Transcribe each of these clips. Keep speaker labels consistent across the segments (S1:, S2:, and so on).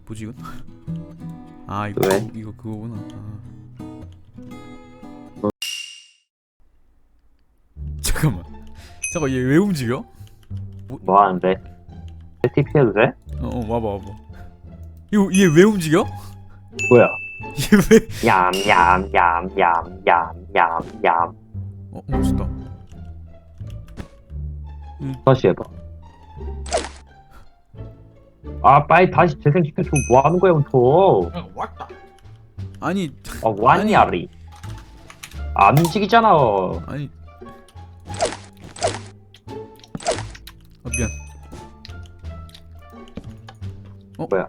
S1: 뭐지 이건? 아 이거
S2: 왜?
S1: 이거 그거구나. 잠깐만. 잠깐 얘 왜 움직여?
S2: 뭐 하는데? TP 해도 돼?
S1: 와봐. 이거 얘 왜 움직여?
S2: 뭐야?
S1: 얘 왜?
S2: 얌얌얌얌얌얌얌.
S1: 멋있다.
S2: 다시 해봐. 아 빨리 다시 재생시켜줘. 뭐 하는 거야 부터?
S3: 왔다.
S1: 아니
S2: 아 왔냐리. 안 움직이잖아.
S1: 아니. 미안.
S2: 뭐야?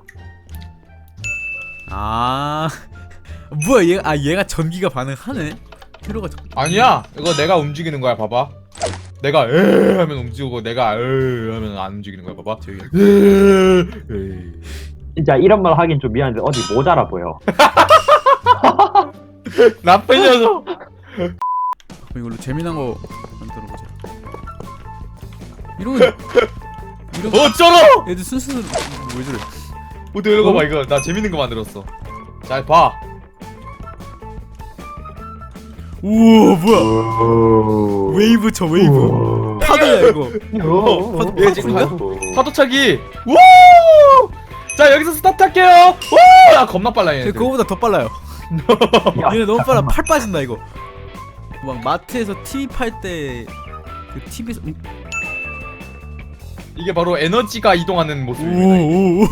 S1: 아 뭐야 얘가 전기가 반응하네. 테러가
S3: 아니야. 이거 내가 움직이는 거야. 봐봐. 내가 에 하면 움직이고 내가 에 하면 안 움직이는 거야. 봐봐.
S1: 저기.
S2: 진짜 이런 말 하긴 좀 미안한데 어디 모자라 보여.
S3: 나쁜 녀석.
S1: 이걸로 재미난 거 만들어보자. 이런
S3: 어쩌러?
S1: 애들 순수는 왜 저래?
S3: 어디 이거 봐 이거 나 재밌는 거 만들었어. 잘 봐.
S1: 우와 뭐야? 웨이브 쳐 웨이브. 파도야 이거.
S3: 얘 지금 파도차기. 우! 자 여기서 스타트 할게요. 우! 아 겁나 빨라 얘.
S1: 그거보다 더 빨라요. 얘네 너무 빨라. 팔 빠진다 이거. 막 마트에서 TV 팔 때 그 TV에서
S3: 이게 바로 에너지가 이동하는 모습입니다.
S1: 오오오.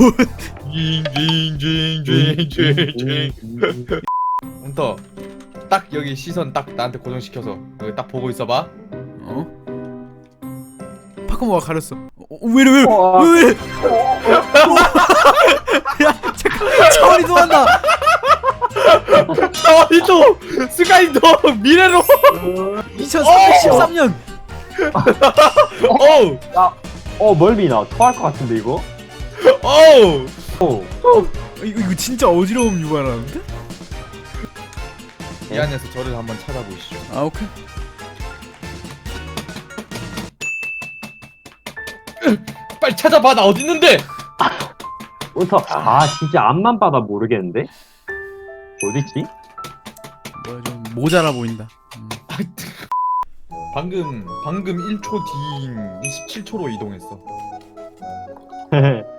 S3: 징징징징징징. hun터 딱 여기 시선 딱 나한테 고정시켜서 여기 딱 보고 있어봐.
S1: 파크모가 가렸어. 왜이래? 야 잠깐 차원이 도한다.
S3: 차원이도 스카이도 미래로.
S1: 2313년.
S3: 어우
S2: 멀미나. 토할 것 같은데 이거?
S3: 어우.
S1: 이거 진짜 어지러움 유발하는데?
S3: 이 안에서 저를 한번 찾아보시죠.
S1: 아 오케이.
S3: 빨리 찾아봐. 나 어디 있는데?
S2: 우터 아 진짜 앞만 봐도 모르겠는데? 어딨지?
S1: 뭐야 좀 모자라 보인다.
S3: 방금 1초 뒤인 27초로 이동했어.